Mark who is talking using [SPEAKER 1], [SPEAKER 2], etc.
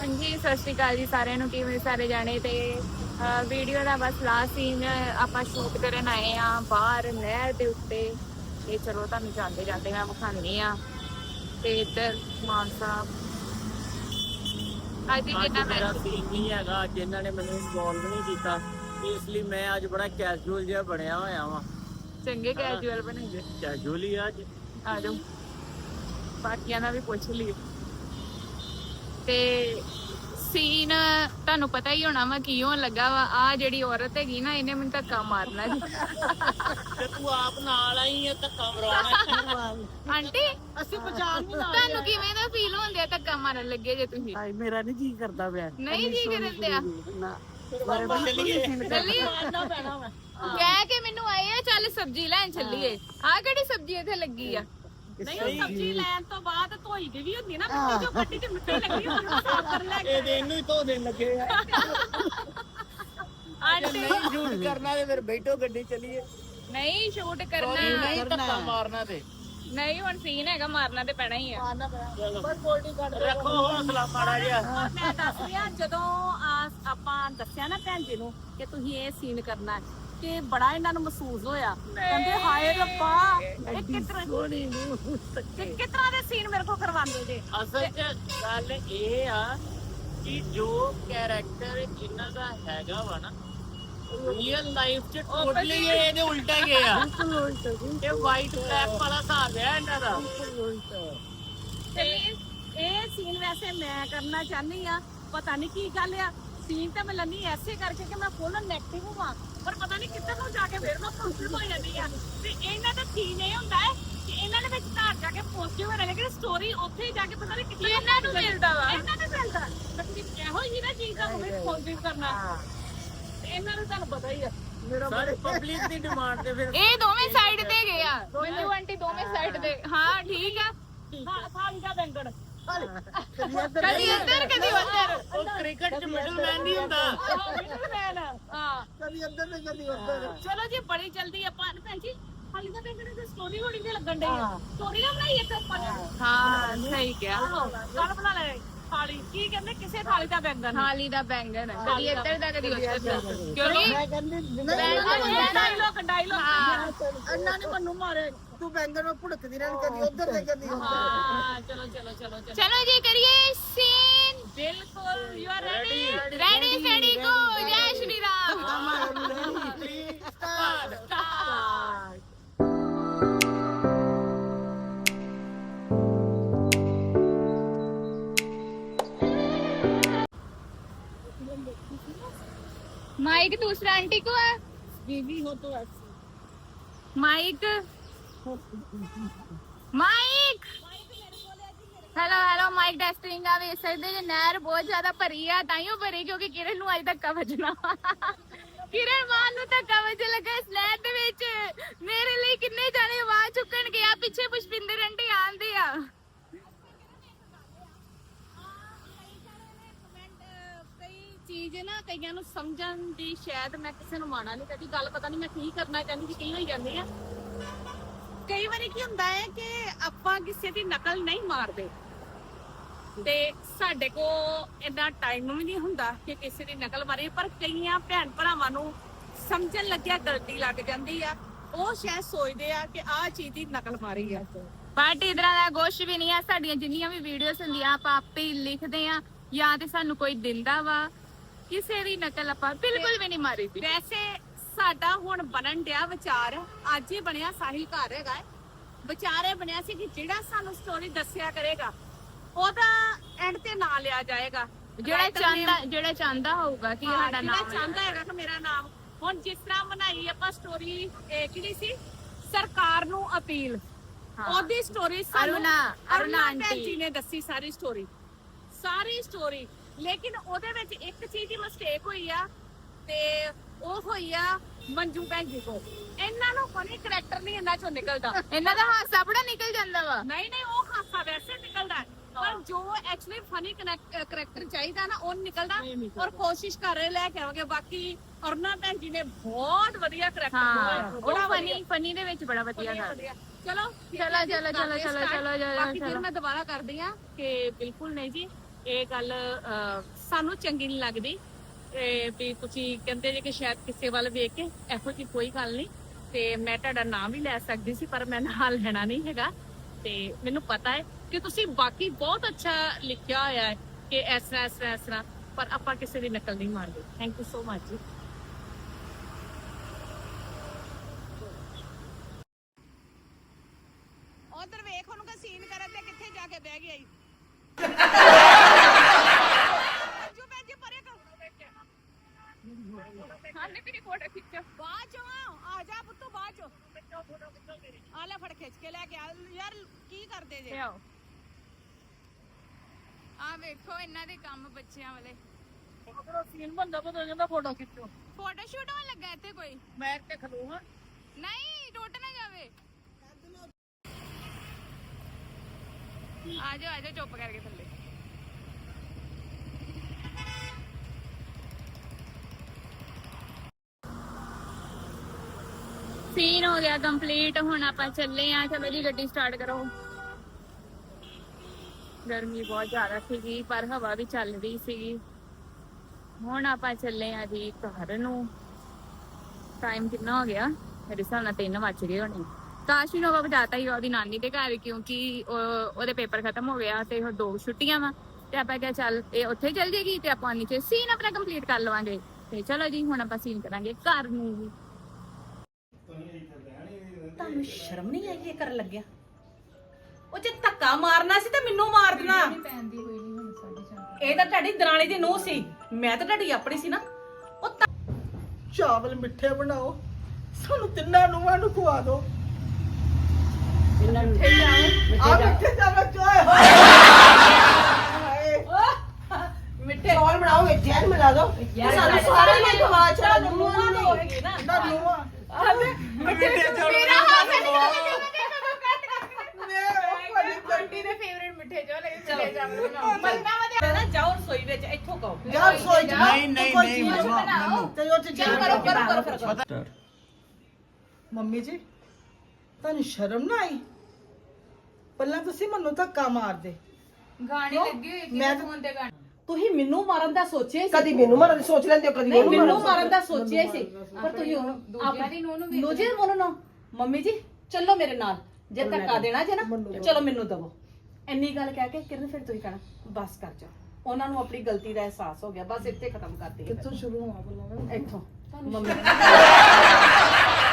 [SPEAKER 1] ਹਾਂਜੀ ਸਤਿ ਸ਼੍ਰੀ ਅਕਾਲ ਜੀ ਸਾਰਿਆਂ ਨੂੰ। ਕਿਵੇਂ ਸਾਰੇ ਜਾਣੇ ਤੇ ਵੀਡੀਓ ਦਾ ਬਸ ਲਾਸਟ ਸੀਨ ਆਪਾਂ ਸ਼ੂਟ ਕਰਨ ਆਏ ਆ ਬਾਹਰ ਨਹਿਰ ਦੇ ਉੱਤੇ। ਤੇ ਚਲੋ ਤੁਹਾਨੂੰ ਜਾਂਦੇ ਜਾਂਦੇ ਮੈਂ ਵਿਖਾਉਂਦੀ ਆ। ਤੇ ਇੱਧਰ ਮਾਨ ਸਾਹਿਬ ਅੱਜ
[SPEAKER 2] ਅੱਜ ਮੇਰਾ ਸੀਨ ਨਹੀਂ ਹੈਗਾ। ਅੱਜ ਇਹਨਾਂ ਨੇ ਮੈਨੂੰ ਇਨਵੋਲਵ ਨਹੀਂ ਕੀਤਾ, ਇਸ ਲਈ ਮੈਂ ਅੱਜ ਬੜਾ ਕੈਜੂਅਲ ਜਿਹਾ ਬਣਿਆ ਹੋਇਆ ਵਾਂ।
[SPEAKER 1] ਚੰਗੇ ਕੈਜੂਅਲ ਬਣਾਈਏ।
[SPEAKER 2] ਕੈਜੂਅਲ ਹੀ ਅੱਜ
[SPEAKER 1] ਆ ਜਾਓ ਬਾਕੀਆਂ ਦਾ ਵੀ ਪੁੱਛ ਲਈ। ਤੇ ਸੀਨ ਤੁਹਾਨੂੰ ਪਤਾ ਹੀ ਹੋਣਾ ਵਾ ਕੀ ਹੋਣ ਲੱਗਾ ਵਾ। ਆ ਜਿਹੜੀ ਔਰਤ ਹੈਗੀ ਨਾ ਇਹਨੇ ਮੈਨੂੰ ਧੱਕਾ ਮਾਰਨਾ ਜੀ।
[SPEAKER 2] ਤੇ ਤੂੰ ਆਪ ਨਾਲ ਆਈ ਆ ਧੱਕਾ ਮਰਾਉਣਾ।
[SPEAKER 1] ਆਂਟੀ
[SPEAKER 2] ਅਸੀਂ ਪਛਾਣ ਨਹੀਂ ਲਾ
[SPEAKER 1] ਤੁਹਾਨੂੰ ਕਿਵੇਂ ਦਾ ਫੀਲ ਹੁੰਦਿਆ ਧੱਕਾ ਮਾਰਨ ਲੱਗੇ ਜੇ ਤੁਸੀਂ?
[SPEAKER 3] ਮੇਰਾ ਨਹੀਂ ਜੀ ਕਰਦਾ ਪਿਆ।
[SPEAKER 1] ਨਹੀਂ ਜੀ ਕਰਨ ਦਿਆ
[SPEAKER 3] ਨਾ
[SPEAKER 2] ਚੱਲੀਏ
[SPEAKER 1] ਚੱਲੀਏ
[SPEAKER 2] ਮਾਰਨਾ ਪੈਣਾ ਵਾ।
[SPEAKER 1] ਕਹਿ ਕੇ ਮੈਨੂੰ ਆਏ ਆ ਚੱਲ ਸਬਜ਼ੀ ਲੈਣ ਚੱਲੀਏ। ਆ ਕਿਹੜੀ ਸਬਜ਼ੀ ਇੱਥੇ ਲੱਗੀ ਆ?
[SPEAKER 4] ਨਹੀਂ ਉਹ ਸਬਜ਼ੀ ਲੈਣ ਤੋਂ ਬਾਅਦ ਧੋਈ ਦੀ ਵੀ ਹੁੰਦੀ ਨਾ ਮਿੱਟੀ ਜੋ ਕੱਟੀ ਤੇ ਮਿੱਟੀ ਲੱਗੀ ਉਹਨੂੰ ਸਾਫ਼ ਕਰ ਲੈ ਕੇ।
[SPEAKER 2] ਇਹ ਇਹਨੂੰ ਹੀ ਧੋ ਦੇਣ ਲੱਗੇ ਆ।
[SPEAKER 1] ਆਂਟੀ
[SPEAKER 2] ਨਹੀਂ ਸ਼ੂਟ ਕਰਨਾ ਤੇ ਫਿਰ ਬੈਠੋ ਗੱਡੀ ਚੱਲੀਏ।
[SPEAKER 1] ਨਹੀਂ ਸ਼ੂਟ ਕਰਨਾ
[SPEAKER 2] ਨਹੀਂ ਧੱਕਾ ਮਾਰਨਾ ਤੇ
[SPEAKER 1] ਨਹੀਂ। ਹੁਣ ਸੀਨ ਹੈਗਾ ਮਾਰਨਾ ਤੇ ਪੈਣਾ ਹੀ ਆ।
[SPEAKER 2] ਰੱਖੋ ਹੌਸਲਾ ਮਾੜਾ ਜਿਹਾ।
[SPEAKER 4] ਮੈਂ ਦੱਸ ਰਿਹਾ ਜਦੋਂ ਆਪਾਂ ਦੱਸਿਆ ਨਾ ਭੈਣ ਜੀ ਨੂੰ ਕਿ ਤੁਸੀਂ ਇਹ ਸੀਨ ਕਰਨਾ ਹੈ ਕਿ ਬੜਾ ਇਹਨਾਂ ਨੂੰ ਮਹਿਸੂਸ ਹੋਇਆ। ਕਹਿੰਦੇ ਹਾਏ ਰੱਬਾ ਇਹ ਕਿਸ ਤਰ੍ਹਾਂ ਦੇ ਸੀਨ ਮੇਰੇ ਕੋਲ ਕਰਵਾਉਂਦੇ ਜੇ।
[SPEAKER 2] ਅਸਲ 'ਚ ਗੱਲ ਇਹ ਆ ਕਿ ਜੋ ਕੈਰੈਕਟਰ ਇਹਨਾਂ ਦਾ ਹੈਗਾ ਵਾ ਨਾ ਰੀਅਲ ਲਾਈਫ 'ਚ ਟੋਟਲੀ ਇਹਦੇ ਉਲਟਾ ਗਿਆ। ਇਹ ਵਾਈਟ ਬਲੈਕ ਵਾਲਾ ਹਿਸਾਬ ਹੈ ਇਹਨਾਂ ਦਾ।
[SPEAKER 4] ਤੇ ਇਹ ਸੀਨ ਵੈਸੇ ਮੈਂ ਕਰਨਾ ਚਾਹਨੀ ਆ। ਪਤਾ ਨਹੀਂ ਕੀ ਗੱਲ ਆ, ਸੀਨ ਤਾਂ ਮੈਂ ਲੰਨੀ ਐਸੇ ਕਰਕੇ ਕਿ ਮੈਂ ਫੁੱਲ ਨੈਗੇਟਿਵ ਹੋਵਾਂ, ਪਰ ਪਤਾ ਨਹੀਂ ਕਿੱਧਰ ਨੂੰ ਜਾ ਕੇ ਫਿਰ ਮੈਂ ਪੋਜ਼ਿਟਿਵ ਹੋ ਜਾਂਦੀ ਆ। ਤੇ ਇਹਨਾਂ ਦਾ ਥੀਮ ਇਹ ਹੁੰਦਾ ਹੈ ਕਿ ਇਹਨਾਂ ਦੇ ਵਿੱਚ ਘਰ ਜਾ ਕੇ ਪੋਜ਼ਿਟਿਵ ਹੋਣਾ, ਲੇਕਿਨ ਸਟੋਰੀ ਉੱਥੇ ਹੀ ਜਾ ਕੇ ਪਤਾ ਨਹੀਂ ਕਿੱਥੇ
[SPEAKER 1] ਇਹਨਾਂ ਨੂੰ ਮਿਲਦਾ ਵਾ।
[SPEAKER 4] ਇਹਨਾਂ ਨੂੰ ਮਿਲਦਾ ਤਕਲੀਫ ਇਹੋ ਹੀ ਨਾ ਚੀਜ਼ ਦਾ ਹੋਵੇ ਪੋਜ਼ਿਟਿਵ ਕਰਨਾ। ਤੇ ਇਹਨਾਂ ਨੂੰ ਤੁਹਾਨੂੰ ਪਤਾ ਹੀ ਆ
[SPEAKER 2] ਸਾਰੇ ਪਬਲਿਕ ਦੀ ਡਿਮਾਂਡ ਤੇ ਫਿਰ
[SPEAKER 1] ਇਹ ਦੋਵੇਂ ਸਾਈਡ ਤੇ ਗਏ ਆ। ਮੈਨੂੰ ਆਂਟੀ ਦੋਵੇਂ ਸਾਈਡ ਤੇ। ਹਾਂ ਠੀਕ ਆ।
[SPEAKER 4] ਥਾਲੀ ਦਾ ਬੈਂਗਣ
[SPEAKER 1] ਕਦੀ ਇੱਧਰ ਕਦੀ ਉੱਧਰ।
[SPEAKER 2] ਉਹ ਕ੍ਰਿਕਟ 'ਚ ਮਿਡਲਮੈਨ ਨਹੀਂ ਹੁੰਦਾ।
[SPEAKER 4] ਹਾਂ
[SPEAKER 3] ਕਦੀ ਅੰਦਰ ਤੇ ਕਦੀ ਉੱਧਰ।
[SPEAKER 4] ਚਲੋ ਜੀ ਬੜੀ ਜਲਦੀ ਆਪਾਂ ਭੈਣ ਜੀ ਹਾਲੀ ਦਾ ਬੈਂਗਣ ਦੀ ਸਟੋਰੀ ਹੋਣੀ ਤੇ ਲੱਗਣ ਡਈ ਆ। ਸਟੋਰੀ ਨਾ ਬਣਾਈਏ ਤੇ ਆਪਾਂ
[SPEAKER 1] ਹਾਂ ਸਹੀ ਕਿਹਾ।
[SPEAKER 4] ਕੱਲ ਬਣਾ ਲੈ ਥਾਲੀ। ਕੀ ਕਹਿੰਦੇ ਕਿਸੇ ਥਾਲੀ ਦਾ ਬੈਂਗਣ
[SPEAKER 1] ਥਾਲੀ ਦਾ ਬੈਂਗਣ ਕਦੀ ਇੱਧਰ ਦਾ ਕਦੀ ਉੱਧਰ ਦਾ। ਕਿਉਂਕਿ
[SPEAKER 3] ਮੈਂ ਕਹਿੰਦੀ
[SPEAKER 4] ਡਾਇਲੋਗ
[SPEAKER 1] ਹਾਂ
[SPEAKER 3] ਅੰਨਾ ਨੇ ਮੈਨੂੰ ਮਾਰੇ। ਤੂੰ ਬੈਂਗਣ ਨੂੰ ਭੁੜਕਦੀ ਰਹਿਣ, ਕਦੀ ਉੱਧਰ ਤੇ ਕਦੀ ਉੱਧਰ।
[SPEAKER 4] ਹਾਂ ਚਲੋ ਚਲੋ ਚਲੋ ਚਲੋ
[SPEAKER 1] ਚਲੋ ਜੀ ਕਰੀਏ ਸੀਨ।
[SPEAKER 4] ਬਿਲਕੁਲ you are ready.
[SPEAKER 1] Ready steady go. ਜੈ ਸ਼੍ਰੀ ਰਾਮ। माइक दूसरा आंटी को है।
[SPEAKER 4] बीवी हो तो ऐसी
[SPEAKER 1] mic mic hello hello mic testing आ। ਵੇਖ ਸਕਦੇ ਜੇ ਨਹਿਰ ਬਹੁਤ ਜ਼ਿਆਦਾ ਭਰੀ ਆ। ਤਾਈਓ ਭਰੀ ਕਿਉਂਕਿ ਕਿਰਨ ਨੂੰ ਅੱਜ ਧੱਕਾ ਵੱਜਣਾ। ਕਿਰਨ ਮਾਨ ਨੂੰ ਧੱਕਾ ਵੱਜਣ ਲੱਗਾ ਇਸ ਨਹਿਰ ਦੇ ਵਿੱਚ। ਮੇਰੇ ਲਈ ਕਿੰਨੇ ਜਾਣੇ ਆਵਾਜ਼ ਚੁੱਕਣ ਗਿਆ। ਪਿੱਛੇ ਪੁਸ਼ਪਿੰਦਰ ਆਂਟੀ ਆਂਦੇ ਆ।
[SPEAKER 4] ਚੀਜ਼ ਨਾ ਕਈਆਂ ਨੂੰ ਸਮਝਣ ਦੀ ਸ਼ਾਇਦ ਮੈਂ ਕਿਸੇ ਨੂੰ ਮਾਣਾ ਨਹੀਂ ਕਦੀ ਗੱਲ ਪਤਾ ਨਹੀਂ ਮੈਂ ਕੀ ਕਰਨਾ ਚਾਹੁੰਦੀ ਸੀ ਕਈ ਹੋਈ ਜਾਂਦੇ ਆ। ਕਈ ਵਾਰੀ ਕੀ ਹੁੰਦਾ ਹੈ ਕਿ ਆਪਾਂ ਕਿਸੇ ਦੀ ਨਕਲ ਨਹੀਂ ਮਾਰਦੇ ਤੇ ਸਾਡੇ ਕੋ ਇੰਨਾ ਟਾਈਮ ਵੀ ਨਹੀਂ ਹੁੰਦਾ ਕਿ ਕਿਸੇ ਦੀ ਨਕਲ ਮਾਰੀਏ, ਪਰ ਕਈਆਂ ਭੈਣ ਭਰਾਵਾਂ ਨੂੰ ਸਮਝਣ ਲੱਗਿਆ ਗਲਤੀ ਲੱਗ ਜਾਂਦੀ ਆ। ਉਹ ਸ਼ਾਇਦ ਸੋਚਦੇ ਆ ਕਿ ਆਹ ਚੀਜ਼ ਦੀ ਨਕਲ ਮਾਰੀ ਆ।
[SPEAKER 1] ਬਟ ਇਧਰਾਂ ਦਾ ਕੁਛ ਵੀ ਨਹੀਂ ਆ। ਸਾਡੀਆਂ ਜਿੰਨੀਆਂ ਵੀ ਵੀਡੀਓਜ਼ ਹੁੰਦੀਆਂ ਆਪਾਂ ਆਪੇ ਹੀ ਲਿਖਦੇ ਆ ਜਾਂ ਤੇ ਸਾਨੂੰ ਕੋਈ ਦਿੰਦਾ ਵਾ। ਕਿਸੇ ਦੀ ਨਕਲ ਆਪਾਂ ਬਿਲਕੁਲ ਵੀ ਨਹੀਂ ਮਾਰੀ ਦੀ।
[SPEAKER 4] ਵੈਸੇ ਸਾਡਾ ਹੁਣ ਬਣਨ ਡਿਆ ਵਿਚਾਰ, ਅੱਜ ਹੀ ਬਣਿਆ। ਸਾਹਿਲ ਘਰ ਹੈਗਾ ਵਿਚਾਰੇ ਬਣਿਆ ਸੀ ਕਿ ਜਿਹੜਾ ਸਾਨੂੰ ਸਟੋਰੀ ਦੱਸਿਆ ਕਰੇਗਾ ਉਹਦਾ ਐਂਡ ਤੇ ਨਾਂ ਲਿਆ ਜਾਏਗਾ।
[SPEAKER 1] ਜਿਹੜਾ ਚਾਹੁੰਦਾ ਹੋਊਗਾ ਕਿ ਸਾਡਾ ਨਾਮ
[SPEAKER 4] ਚਾਹੁੰਦਾ ਹੈਗਾ ਕਿ ਮੇਰਾ ਨਾਮ। ਹੁਣ ਜਿਸ ਤਰ੍ਹਾਂ ਬਣਾਈ ਆਪਾਂ ਸਟੋਰੀ ਕਿਹੜੀ ਸੀ, ਸਰਕਾਰ ਨੂੰ ਅਪੀਲ। ਉਹਦੀ ਸਟੋਰੀ
[SPEAKER 1] ਅਰੁਣਾ
[SPEAKER 4] ਆਂਟੀ ਜੀ ਨੇ ਦੱਸੀ ਸਾਰੀ ਸਟੋਰੀ। ਲੇਕਿਨ ਉਹਦੇ ਵਿੱਚ ਇੱਕ ਚੀਜ਼ ਦੀ ਮਿਸਟੇਕ ਹੋਈ ਆ ਤੇ ਉਹ ਹੋਈ ਆ ਮੰਜੂ ਭੈਣ ਜੀ ਕੋ। ਇਹਨਾਂ ਨੂੰ ਕੋਈ ਕਰੈਕਟਰ ਨਹੀਂ ਇਹਨਾਂ ਚੋਂ ਨਿਕਲਦਾ।
[SPEAKER 1] ਇਹਨਾਂ ਦਾ ਹਾਸਾ ਬੜਾ ਨਿਕਲ ਜਾਂਦਾ ਵਾ।
[SPEAKER 4] ਨਹੀਂ ਉਹ ਹਾਸਾ ਵੈਸੇ ਨਿਕਲਦਾ, ਪਰ ਜੋ ਐਕਚੁਅਲੀ ਫਨੀ ਕਰੈਕਟਰ ਚਾਹੀਦਾ ਨਾ ਉਹ ਨਿਕਲਦਾ। ਔਰ ਕੋਸ਼ਿਸ਼ ਕਰ ਰਹੇ ਲੈ ਕੇ ਆਵਾਂਗੇ। ਬਾਕੀ ਅਰੁਣਾ ਭੈਣ ਜੀ ਨੇ ਬਹੁਤ ਵਧੀਆ ਕਰੈਕਟਰ
[SPEAKER 1] ਹਾਂ ਉਹ ਫਨੀ ਦੇ ਵਿੱਚ ਬੜਾ ਵਧੀਆ ਗਾ।
[SPEAKER 4] ਚਲੋ
[SPEAKER 1] ਚਲੋ
[SPEAKER 4] ਬਾਕੀ ਫਿਰ ਮੈਂ ਦੁਬਾਰਾ ਕਰਦੀ ਆ ਕਿ ਬਿਲਕੁਲ ਨਹੀਂ ਜੀ ਇਹ ਗੱਲ ਸਾਨੂੰ ਚੰਗੀ ਨਹੀਂ ਲੱਗਦੀ ਵੀ ਤੁਸੀਂ ਕਹਿੰਦੇ ਜੇ ਕਿ ਸ਼ਾਇਦ ਕਿਸੇ ਵੱਲ ਵੇਖ ਕੇ ਇਹੋ ਜਿਹੀ ਕੋਈ ਗੱਲ ਨਹੀਂ। ਤੇ ਮੈਂ ਤੁਹਾਡਾ ਨਾਮ ਵੀ ਲੈ ਸਕਦੀ ਸੀ ਪਰ ਮੈਂ ਨਾਲ ਲੈਣਾ ਨਹੀਂ ਹੈਗਾ। ਤੇ ਮੈਨੂੰ ਪਤਾ ਹੈ ਕਿ ਤੁਸੀਂ ਬਾਕੀ ਬਹੁਤ ਅੱਛਾ ਲਿਖਿਆ ਹੋਇਆ ਹੈ ਕਿ ਇਸ ਤਰ੍ਹਾਂ ਪਰ ਆਪਾਂ ਕਿਸੇ ਦੀ ਨਕਲ ਨਹੀਂ ਮਾਰਦੇ। ਥੈਂਕ ਯੂ ਸੋ ਮਚ ਜੀ। ਉਧਰ ਵੇਖ ਉਹਨੂੰ ਕਿ ਸੀਨ ਕਰਨ ਤੇ ਕਿੱਥੇ ਜਾ ਕੇ ਬਹਿ ਗਿਆ ਈ। ਜੋ ਮੈਂ ਜੇ ਪਰੇ ਕਰ
[SPEAKER 1] ਹਾਂ ਨੇ ਮੇਰੀ ਫੋਟੋ ਖਿੱਚੋ।
[SPEAKER 4] ਬਾਅਦ ਚੋਂ ਆ ਜਾ ਪੁੱਤੂ ਬਾਅਦ ਚੋਂ ਆ ਲੈ ਫੜ ਖਿੱਚ ਕੇ ਲੈ ਕੇ ਆ ਯਾਰ ਕੀ ਕਰਦੇ ਜੇ
[SPEAKER 1] ਆਓ ਆ ਵੇਖੋ ਇਹਨਾਂ ਦੇ ਕੰਮ ਬੱਚਿਆਂ ਵਾਲੇ।
[SPEAKER 3] ਆਪਣਾ ਸੀਨ ਬੰਦਾ ਪਤਾ ਜਾਂਦਾ ਫੋਟੋ ਖਿੱਚੋ।
[SPEAKER 1] ਫੋਟੋ ਸ਼ੂਟ ਹੋਣ ਲੱਗਾ ਇੱਥੇ ਕੋਈ?
[SPEAKER 3] ਮੈਂ ਤੇ ਖਲੋਵਾਂ
[SPEAKER 1] ਨਹੀਂ ਟੁੱਟ ਨਾ ਜਾਵੇ। ਆ ਜਾਓ ਚੁੱਪ ਕਰਕੇ ਥੱਲੇ। ਸੀਨ ਹੋ ਗਿਆ ਕੰਪਲੀਟ। ਹੁਣ ਆਪਾਂ ਚੱਲੇ ਆ। ਚਲੋ ਜੀ ਗੱਡੀ ਸਟਾਰਟ ਕਰੋ। ਗਰਮੀ ਬਹੁਤ ਜ਼ਿਆਦਾ ਸੀਗੀ ਪਰ ਹਵਾ ਵੀ ਚੱਲ ਰਹੀ ਸੀਗੀ। ਹੁਣ ਆਪਾਂ ਚੱਲੇ ਆ ਜੀ ਘਰ ਨੂੰ। ਟਾਈਮ ਕਿੰਨਾ ਹੋ ਗਿਆ? ਮੇਰੇ ਹਿਸਾਬ ਨਾਲ 3 ਵੱਜ ਗਏ ਹੋਣੇ। ਕਾਸ਼ ਨੂੰ ਆਪਾਂ ਬਤਾਤਾ ਹੀ ਉਹਦੀ ਨਾਨੀ ਦੇ ਘਰ ਕਿਉਂਕਿ ਉਹਦੇ ਪੇਪਰ ਖਤਮ ਹੋ ਗਿਆ ਤੇ ਹੁਣ 2 ਛੁੱਟੀਆਂ ਵਾ ਤੇ ਆਪਾਂ ਕਿਹਾ ਚੱਲ ਇਹ ਉੱਥੇ ਚੱਲ ਜਾਏਗੀ ਤੇ ਆਪਾਂ ਨੀਚੇ ਸੀਨ ਆਪਣਾ ਕੰਪਲੀਟ ਕਰ ਲਵਾਂਗੇ। ਤੇ ਚਲੋ ਜੀ ਹੁਣ ਆਪਾਂ ਸੀਨ ਕਰਾਂਗੇ ਘਰ ਨੂੰ।
[SPEAKER 5] ਤੁਹਾਨੂੰ ਸ਼ਰਮ ਨਹੀਂ ਆਈ ਇਹ ਕਰਨ ਲੱਗਿਆ? ਉਹ ਜੇ ਧੱਕਾ ਮਾਰਨਾ ਸੀ ਤਾਂ ਮੈਨੂੰ ਮਾਰ ਦੇਣਾ। ਇਹ ਤਾਂ ਤੁਹਾਡੀ ਦਰਾਣੀ ਦੀ ਨੂੰਹ ਸੀ, ਮੈਂ ਤਾਂ ਤੁਹਾਡੀ ਆਪਣੀ ਸੀ ਨਾ। ਉਹ
[SPEAKER 3] ਚਾਵਲ ਮਿੱਠੇ ਬਣਾਓ, ਸਾਨੂੰ ਤਿੰਨਾਂ ਨੂੰਹਾਂ ਨੂੰ ਖਵਾ ਦਿਓ। ਮਿੱਠੇ ਚਾਵਲ ਚੋਏ
[SPEAKER 5] ਮਿੱਠੇ
[SPEAKER 3] ਚੌਲ ਬਣਾਓ ਵਿੱਚ ਜ਼ਹਿਰ ਮਿਲਾ ਦਿਓ। ਸਾਨੂੰ ਸਾਰੇ ਨੇ ਖਵਾ ਛੜਾ
[SPEAKER 5] ਨੂੰਹਾਂ ਤਾਂ ਹੋਏਗੀ ਨਾ।
[SPEAKER 3] ਨਾ ਨੂੰਹਾਂ
[SPEAKER 5] ਮਿੱਠੇ ਚੌਲ
[SPEAKER 1] ਆਂਟੀ ਦੇ ਫੇਵਰਿਟ ਮਿੱਠੇ ਚੋਲ ਚਲੇ ਜਾਵਾਂਗੇ।
[SPEAKER 5] ਨਾ ਜਾਓ ਰਸੋਈ ਵਿੱਚ ਇੱਥੋਂ ਕਹੋ।
[SPEAKER 3] ਯਾਰ ਸੋਈ ਜਾ
[SPEAKER 2] ਨਹੀਂ
[SPEAKER 1] ਬਣਾਓ।
[SPEAKER 3] ਤੇ ਉਹ ਚ
[SPEAKER 5] ਚਲ ਕਰੋ।
[SPEAKER 3] ਮੰਮੀ ਜੀ ਤੁਹਾਨੂੰ ਸ਼ਰਮ ਨਾ ਆਈ? ਪਹਿਲਾਂ ਤੁਸੀਂ ਮੈਨੂੰ ਧੱਕਾ ਮਾਰਦੇ।
[SPEAKER 1] ਗਾਣੇ ਲੱਗੇ ਹੋਏ
[SPEAKER 3] ਮੈਂ
[SPEAKER 1] ਕਿ ਫੋਨ ਤੇ ਗਾਣੇ।
[SPEAKER 5] ਤੁਸੀਂ ਮੈਨੂੰ ਮਾਰਨ ਦਾ ਸੋਚਿਆ ਸੀ।
[SPEAKER 3] ਕਦੀ ਮੈਨੂੰ ਮਾਰਨ ਦੀ ਸੋਚ ਲੈਂਦੇ ਹੋ, ਕਦੀ
[SPEAKER 5] ਨਹੀਂ
[SPEAKER 3] ਉਹਨੂੰ
[SPEAKER 5] ਮੈਨੂੰ ਮਾਰਨ ਦਾ ਸੋਚਿਆ ਸੀ ਪਰ ਤੁਸੀਂ
[SPEAKER 1] ਦੂਜਿਆਂ ਦੀ ਨੂੰਹ ਨੂੰ ਵੇਖ
[SPEAKER 5] ਨੂੰਹ ਜੀ ਬੋਲੋ ਨਾ। ਮੰਮੀ ਜੀ ਚੱਲੋ ਮੇਰੇ ਨਾਲ। ਜੇ ਧੱਕਾ ਦੇਣਾ ਜੇ ਨਾ ਚਲੋ ਮੈਨੂੰ ਦਵੋ। ਇੰਨੀ ਗੱਲ ਕਹਿ ਕੇ ਕਿਰਨ ਫਿਰ ਤੁਸੀਂ ਕਹਿਣਾ ਬਸ ਕਰ ਜਾ। ਉਹਨਾਂ ਨੂੰ ਆਪਣੀ ਗਲਤੀ ਦਾ ਅਹਿਸਾਸ ਹੋ ਗਿਆ। ਬਸ ਇੱਥੇ ਖਤਮ ਕਰ ਦਈਏ।
[SPEAKER 3] ਕਿੱਥੋਂ ਸ਼ੁਰੂ ਹੋਣਾ ਬੋਲਣਾ
[SPEAKER 5] ਇੱਥੋਂ ਮੰਮੀ